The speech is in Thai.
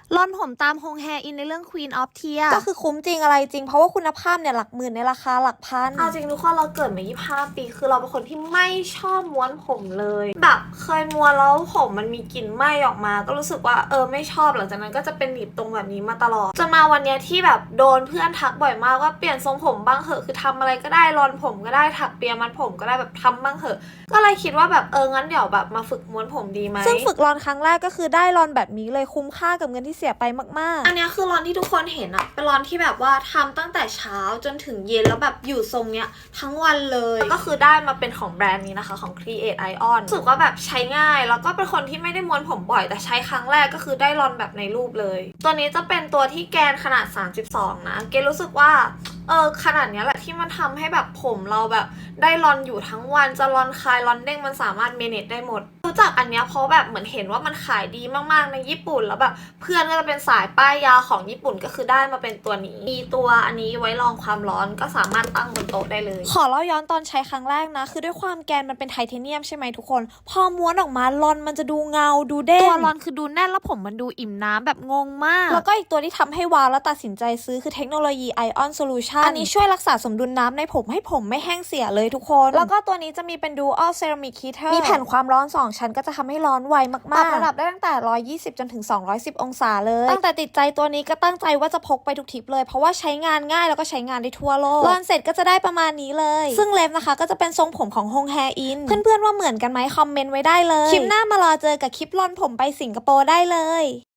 ร่อนผมตามฮงแฮอินในเรื่อง Queen of Tears ก็คือคุ้มจริงอะไรจริงเพราะว่าคุณภาพเนี่ยหลักหมื่นในราคาหลักพันเอาจริงทุกคนเราเกิดมา25 ปีคือเราเป็นคนที่ไม่ชอบม้วนผมเลยแบบเคยม้วนแล้วผมมันมีกลิ่นไหม้ออกมาก็รู้สึกว่าไม่ชอบหลังจากนั้นก็จะเป็นหนีบตรงแบบนี้มาตลอดจนมาวันเนี้ยที่แบบโดนเพื่อนทักบ่อยมากว่าเปลี่ยนทรงผมบ้างเหอะคือทำอะไรก็ได้รอนผมก็ได้ถักเปียมัดผมก็ได้แบบทำบ้างเหอะก็เลยคิดว่าแบบงั้นเดี๋ยวแบบมาฝึกม้วนผมดีไหมซึ่งฝึกรอนครั้งแรกก็คือได้รอนแบบนี้เลยคุ้มค่ากับเงินที่เสียไปมากอันนี้คือรอนที่ทุกคนเห็นอะเป็นรอนที่แบบว่าทำตั้งแต่เช้าจนถึงเย็นแล้วแบบอยู่ทรงเนี้ยทั้งวันเลยก็คือได้มาเป็นของแบรนด์นี้นะคะของ Create Ion รู้สึกว่าแบบใช้ง่ายแล้วก็เป็นคนที่ไม่ได้ม้วนผมบ่อยแต่ใช้ครั้งแรกก็คือได้รอนแบบในรูปเลยตัวนี้จะเป็นตัวที่แกนขนาด32นะเกรู้สึกว่าขนาดนี้แหละที่มันทำให้แบบผมเราแบบได้รอนอยู่ทั้งวันจะรอนคลายรอนเด้งมันสามารถเมเนจได้หมดรู้จักอันเนี้ยเพราะแบบเหมือนเห็นว่ามันขายดีมากๆในญี่ปุ่นแล้วแบบเพื่อนก็จะเป็นสายป้ายยาของญี่ปุ่นก็คือได้มาเป็นตัวนี้มีตัวอันนี้ไว้รองความร้อนก็สามารถตั้งบนโต๊ะได้เลยๆขอเล่าย้อนตอนใช้ครั้งแรกนะคือด้วยความแกนมันเป็นไทเทเนียมใช่ไหมทุกคนพอม้วนออกมารอนมันจะดูเงาดูเด้งตัวรอนคือดูแน่นแล้วผมมันดูอิ่มน้ำแบบงงมากแล้วก็อีกตัวที่ทำให้ว้าวแล้วตัดสินใจซื้อคือเทคโนโลยี Ion Solution อันนี้ช่วยรักษาสมดุลน้ำในผมให้ผมไม่แห้งเสียเลยทุกคน แล้วก็ตัวนี้จะมีเป็น Dual Ceramic Heater มีแผ่นความร้อน 2 ชั้นก็จะทำให้ร้อนไวมากๆปรับระดับได้ตั้งแต่120จนถึง210องศาเลยตั้งแต่ติดใจตัวนี้ก็ตั้งใจว่าจะพกไปทุกทริปเลยเพราะว่าใช้งานง่ายแล้วก็ใช้งานได้ทั่วโลกรอนเสร็จก็จะได้ประมาณนี้เลยซึ่งเล็บนะคะก็จะเป็นทรงผมของฮงแฮอินเพื่อนๆว่าเหมือนกันไหมคอมเมนต์ไว้ได้เลยคลิปหน้ามารอเจอกับคลิปรอนผมไปสิงคโปร์ได้เลย